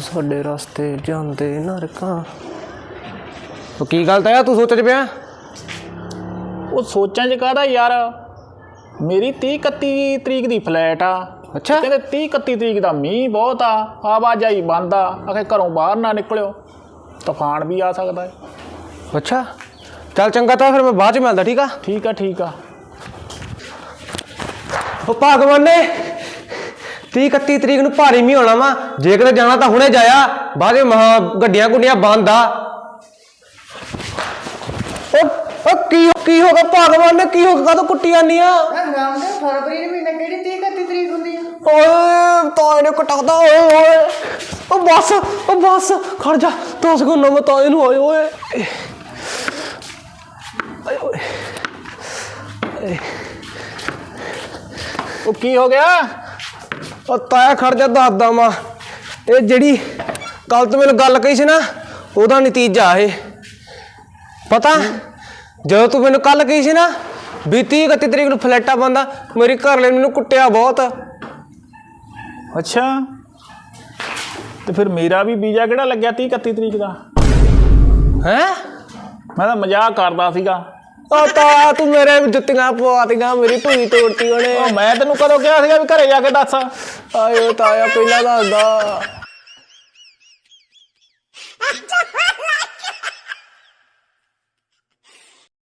ਸਾਡੇ ਰਸਤੇ ਜਾਂਦੇ ਨਰਕਾਂ। ਕੀ ਗੱਲ ਤਾਂ ਤੂੰ ਸੋਚ 'ਚ ਪਿਆ? ਉਹ ਸੋਚਾਂ 'ਚ ਕਾਹਦਾ ਯਾਰ, ਮੇਰੀ 30-31 ਤਰੀਕ ਦੀ ਫਲੈਟ ਆ। ਅੱਛਾ, ਕਹਿੰਦੇ 30-31 ਤਰੀਕ ਦਾ ਮੀਂਹ ਬਹੁਤ ਆ, ਆਵਾਜਾਈ ਬੰਦ ਆ, ਆਖੇ ਘਰੋਂ ਬਾਹਰ ਨਾ ਨਿਕਲਿਓ, ਤੂਫਾਨ ਵੀ ਆ ਸਕਦਾ ਹੈ। ਅੱਛਾ ਚੱਲ ਚੰਗਾ, ਤਾਂ ਫਿਰ ਮੈਂ ਬਾਅਦ 'ਚ ਮਿਲਦਾ। ਠੀਕ ਆ ਠੀਕ ਆ ਠੀਕ ਆ। ਉਹ ਭਗਵਾਨ ਨੇ 30-31 ਤਰੀਕ ਨੂੰ ਭਾਰੀ ਮੀਂਹ ਹੋਣਾ ਵਾ, ਜੇ ਕਿਤੇ ਜਾਣਾ ਤਾਂ ਹੁਣੇ ਜਾਇਆ, ਬਾਅਦ ਵਿੱਚ ਮਹਾ ਗੱਡੀਆਂ ਗੁੱਡੀਆਂ ਬੰਦ ਆ। ਕੀ ਹੋ ਗਿਆ ਭਗਵਾਨ ਨੇ, ਕੀ ਹੋ ਗਿਆ? ਕਾਹਤੋਂ ਕੁੱਟੀ ਜਾਂਦੀ ਆ? ਫਰਵਰੀ ਦੇ ਮਹੀਨੇ ਕਿਹੜੀ 30-31 ਤਰੀਕ ਹੁੰਦੀ ਆ? ਓਏ ਤਾਏ ਨੇ ਕਟਾਦਾ। ਓਏ ਓਏ ਉਹ ਬਸ ਖੜ ਜਾ, 10 ਸਕਿੰਟ ਮੈਂ ਤਾਏ ਨੂੰ। ਓਏ ਓਏ ਉਹ ਕੀ ਹੋ ਗਿਆ? ਉਹ ਤਾਇਆ ਖੜ ਜਾ, ਦੱਸਦਾ ਮੈਂ। ਇਹ ਜਿਹੜੀ ਕੱਲ ਤੂੰ ਮੈਨੂੰ ਗੱਲ ਕਹੀ ਸੀ ਨਾ, ਉਹਦਾ ਨਤੀਜਾ ਇਹ ਪਤਾ। ਜਦੋਂ ਤੂੰ ਮੈਨੂੰ ਕੱਲ ਕਹੀ ਸੀ ਨਾ ਵੀ 30-31 ਤਰੀਕ ਨੂੰ ਫਲੈਟਾਂ ਬੰਦ ਆ, ਮੇਰੀ ਘਰ ਵਾਲੇ ਨੇ ਮੈਨੂੰ ਕੁੱਟਿਆ ਬਹੁਤ। ਅੱਛਾ, ਤੇ ਫਿਰ ਮੇਰਾ ਵੀ ਵੀਜ਼ਾ ਕਿਹੜਾ ਲੱਗਿਆ 30-31 ਤਰੀਕ ਦਾ? ਹੈਂ? ਮੈਂ ਤਾਂ ਮਜ਼ਾਕ ਕਰਦਾ ਸੀਗਾ। ਉਹ ਤਾਇਆ ਤੂੰ ਮੇਰੇ ਜੁੱਤੀਆਂ ਪਵਾਤੀਆਂ, ਮੇਰੀ ਧੂਈ ਤੋੜਤੀ ਉਹਨੇ। ਉਹ ਮੈਂ ਤੈਨੂੰ ਕਦੋਂ ਕਿਹਾ ਸੀਗਾ ਵੀ ਘਰੇ ਜਾ ਕੇ ਦੱਸ? ਆਏ ਤਾਇਆ ਪਹਿਲਾਂ ਦੱਸਦਾ।